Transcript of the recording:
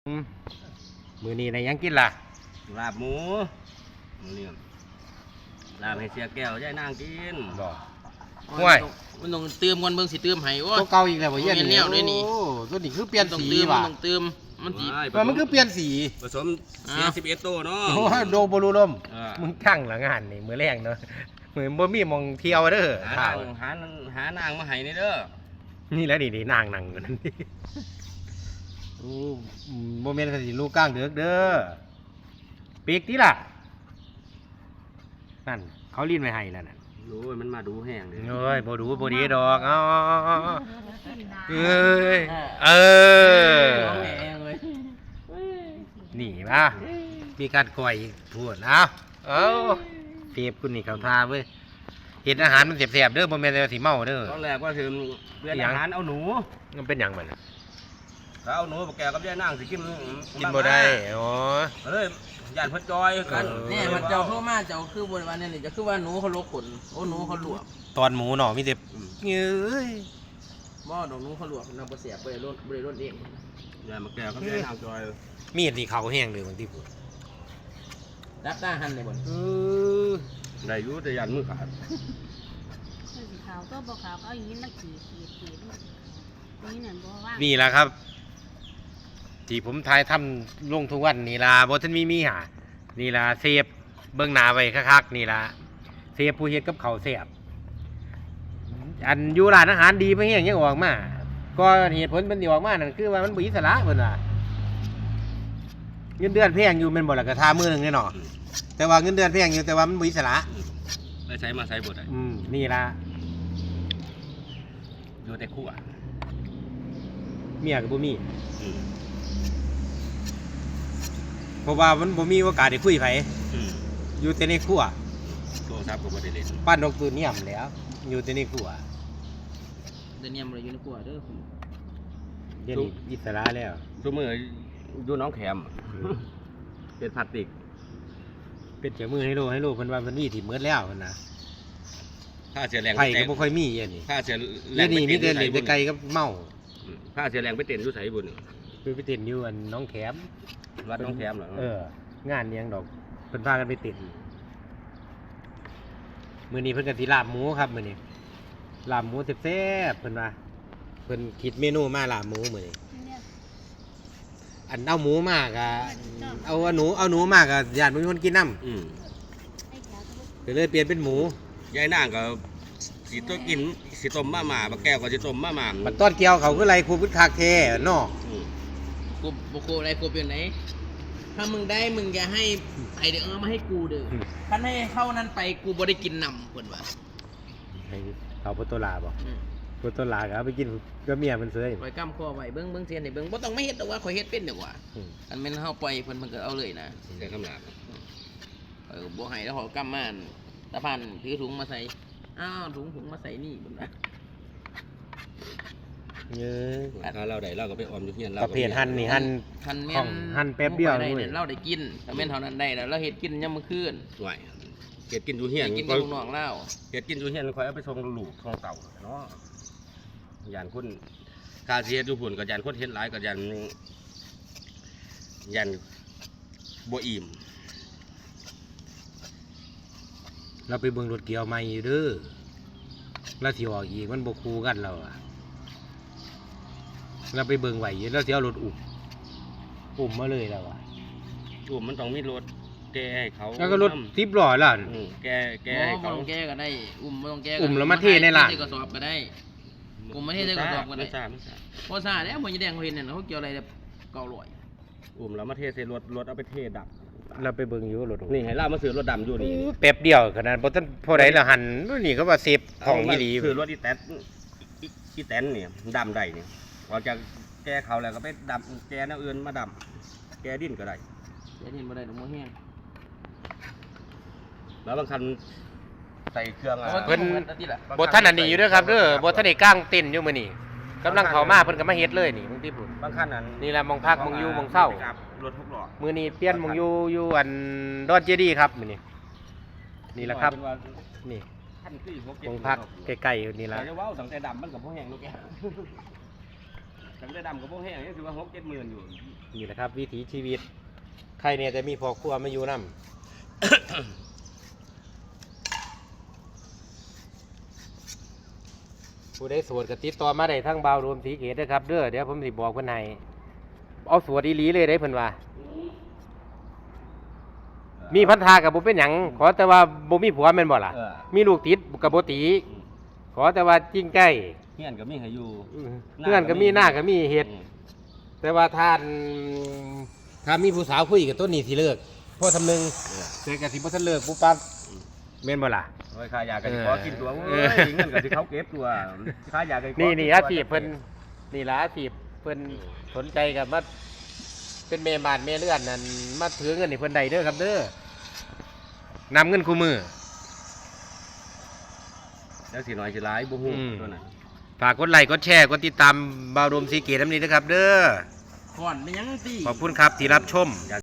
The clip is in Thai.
มื้อนี้ได้ยังกินล่ะลาบหมูนี่ลาบให้เสียแก้วย่ายนางกินบ่ห่วยมันต้องเติมก่อนเบิ่งสิเติมให้โอ้ตัวเก่าอีกแล้วบ่เย็นนี่โอ้ตัวนี้คือเปลี่ยนสีว่ะต้องเติมมันสิมันคือเปลี่ยนสีผสมเสีย11ตัวเนาะโอ้โดบ่รู้ลมมึงทั้งหลังงานนี่มื้อแรงเนาะมื้อบ่มีมองเที่ยวเด้อหานางมาให้นี่เด้อนี่แหละนี่นางนั่งอยู่นั่นนี่โอ้บ่แม่นสิลูกก้างเด้อเด้อปีกติล่ะนั่นเขาลิ้นไว้ให้แล้วน่ะโอ้ยมันมาดูแห้งเลยเอ้ยบ่ดูบ่ดีดอกเเอ้ยนี่ป่ะมีการก่อยพูดเอาเทียบคุณนี่เขาทาเว้ยเห็นอาหารมันแสบๆเด้อบ่แม่นสิเมาเด้อตอนแรกว่าคือเรื่องอาหารเอาหนูมันเป็นหยังมันถ้าเอาหนูบ่แก่กับย่ายนางสิกินบ่ได้อ๋อเอ้ยย่านเพิ่นจอยกันนี่มันเจ้าโทรมาเจ้าคือบนวันนี้จะคือว่าหนูเขาลกขนโอ้หนูเขาลวกตอนหมูเนาะมีแต่เอ้ยบ่ดอกหนูเขาลวกนำบ่เสียบ่ได้รสเองย่านมาแก่กับย่ายนางจอยมีดนี่เขาแห้งเลยบางทีพูดรับตาหันได้บ่ได้อยู่แต่ย่านมือขาดสีขาวก็บ่ขาวเอาอย่างนี้มาขีดนี่นั่นบ่ว่านี่แหละครับที่ผมทายทำลงทุกวันนี่ล่ะบ่ทันมีหานี่ล่ะเซฟเบิ่งหน้าไว้คักๆนี่ล่ะเซฟผู้เฮ็ดกับข้าวแซ่บอันอยู่ร้านอาหารดีเพิ่นยังออกมาก็เหตุผลมันสิออกมานั่นคือว่ามันบ่อิสระเพิ่นว่าเงินเดือนแพงอยู่แม่นบ่ล่ะก็ท่ามื้อนึงแน่เนาะแต่ว่าเงินเดือนแพงอยู่แต่ว่ามันบ่อิสระได้ใช้มาใช้บ่ได้นี่ล่ะอยู่แต่คู่เมียก็บ่มีเพราะว่ามันบ่มีโอกาสได้คุยไผอยู่แต่ในครัวโทรศัพท์ก็บ่ได้เล่นปั้นนกตัวเนียมแล้วอยู่แต่ในครัวเดี๋ยวนี้บ่ได้อยู่ในครัวเด้อเดี๋ยวนี้อิสระแล้วซุมื้ออยู่น้องแขมเป็นพลาสติกเป็นเจ้ามือให้โลเพิ่นว่าเพิ่นมีที่หมดแล้วเพิ่นน่ะถ้าเสียแรงไผก็บ่ค่อยมีอย่างนี้ถ้าเสียแรงนี่มีแต่เล่นแต่ไกลกับเมาถ้าเสียแรงไปเต้นอยู่ไสบุญไปเต้นอยู่อันน้องแขมวัดน้องแขมเหรองานยังดอกเพิ่นพากันไปเต้นมื้อนี้เพิ่นก็สิลาบหมูครับมื้อนี้ลาบหมูแซ่บๆเพิ่นว่าเพิ่นคิดเมนูมาลาบหมูมื้อนี้อันเอาหมูมากอะเอาหนูมากอะญาติบ่มีคนกินน้ำก็เลยเปลี่ยนเป็นหมูยายนางก็สิต้มกินสิต้มมาม่าบักแก้วก็สิต้มมาม่าบัดต้นเกี่ยวเขาคือไรครูพุทธคักแท้เนาะกูบ่กูอะไรกูเป็นไหนถ้ามึงได้มึงอย่าให้ไอเด้อมาให้กูเด้อคันให้เข้านั้นไปกูบ่ได้กินนำเพิ่นว่าให้เขาพุทธลาบ่พุทธลาก็เอาไปกินก็เมียมันเสยไว้กำคอไว้เบิ่งเสียนให้เบิ่งบ่ต้องไม่เฮ็ดดอกว่าข่อยเฮ็ดเป็นดอกว่าอันแม่นเฮาปล่อยเพิ่นก็เอาเลยนะใส่คำหลาบบ่ให้แล้วเขากำมาตะพันถือถุงมาใส่อ้าวถุงมาใส่นี่เพิ่นว่าถ้าเราได้เราก็ไปออมอยู่เฮียนเราประเภทหั่นนี่หั่นแม่นหั่นแป๊บเดียวนี่เราได้กินถ้าแม่นเท่านั้นได้แล้วเราเฮ็ดกินยามมื้อคืนไหวเฮ็ดกินอยู่เฮียนกินกับน้องเราเฮ็ดกินอยู่เฮียนค่อยเอาไปส่งลูกส่งเต่าเนาะยานคนค่าสิเฮ็ดอยู่พุ่นก็ยานคนเฮ็ดหลายก็ยานบ่อิ่มเราไปเบิ่งรถเกี่ยวใหม่อยู่เด้อแล้วสิออกอีกมันบ่คู่กันแล้วอ่ะเราไปเบิ่งไหวแล้วสิเอารถอุ้มมาเลยแล้วอ่ะมันต้องมีรถแกให้เขาแล้วก็รถ10ล้อล่ะแกให้เขาแกก็ได้บ่ต้องแกแล้วมาเทในร้านกระสอบก็ได้มาเทในกระสอบก็ได้บ่ซ่าแล้วบ่ยแดงเขาเห็นนั่นเขาเกี่ยวอะไร900 แล้วมาเทใส่รถเอาไปเทดับเราไปเบิ่งอยู่รถนี่ให้เรามาซื้อรถดำอยู่นี่แป๊บเดียวขนาดบ่ทันพอได้ละหันนี่ก็ว่าเซฟของอีหลีคือรถอีแตนนี่ดำได้นี่พอจะแกเขาแล้วก็ไปดำแกแนวอื่นมาดำแกดิ้นก็ได้แกดิ้นบ่ได้ดอกบ่แห้งแล้วบางคันใส่เครื่องเพิ่นบ่ทันอันนี้อยู่เด้อครับเด้อบ่ทันได้กางเต็นท์อยู่มื้อนี้กำลังเข้ามาเพิ่นก็มาเฮ็ดเลยนี่บางทีพุ่นบางคันนั้นนี่แหละมองพักมองอยู่มองเช้ารถ6ล้อมื้อนี้เปลี่ยนมองอยู่อันดอนเจดีครับมื้อนี้นี่แหละครับนี่มองพักใกล้ๆนี่ล่ะจะว้าวตั้งแต่ดำมันก็บ่แห้งลูกแกตั้งแต่ดำกับพวกแห้งนี่ถือว่า6-7 หมื่นอยู่นี่แหละครับ วิถีชีวิตใครเนี่ยจะมีพ่อครัวมาอยู่นํ ผู้ใดโสวดก็ติดต่อมาได้ทั้งบ่าวรวมสีเกตนะครับเด้อเดี๋ยวผมสิบอกเพิ่นให้เอาสวดอีหลีเลยได้เพิ่นว่า มีพันธากับบ่เป็นหยังขอแต่ว่าบ่มีผัวแม่นบ่ล่ะ มีลูกติดกับบ่ตี ขอแต่ว่าจริงใกล้เฮียนก็มีให้อยู่เพื่อนก็มีหน้าก็มีเฮ็ด แต่ว่าถ้ามีผู้สาวคุยกับต้นนี้สิเลิกเพราะทำนึงแต่ก็สิบ่ทันเลิกปุ๊บปั๊บแม่นบ่ล่ะโอ้ยค่ายาก็สิขอกินตัวเอเอ้อยเงินก็สิเขาเก็บตัวค่ายาก็สิขอนี่อาชีพเพิ่นนี่ล่ะอาชีพเพิ่นสนใจกับมาเป็นแม่บ้านแม่เรือนนั่นมาถือเงินให้เพิ่นได้เด้อครับเด้อนำเงินคู่มือแล้วสิน้อยสิหลายบ่ฮู้อืมตัวนั้นฝากกดไลค์กดแชร์กดติดตามบ่าวรวมสีเกตน้ำนี้นะครับเด้อก่อนเป็นหยังสิขอบคุณครับที่รับชม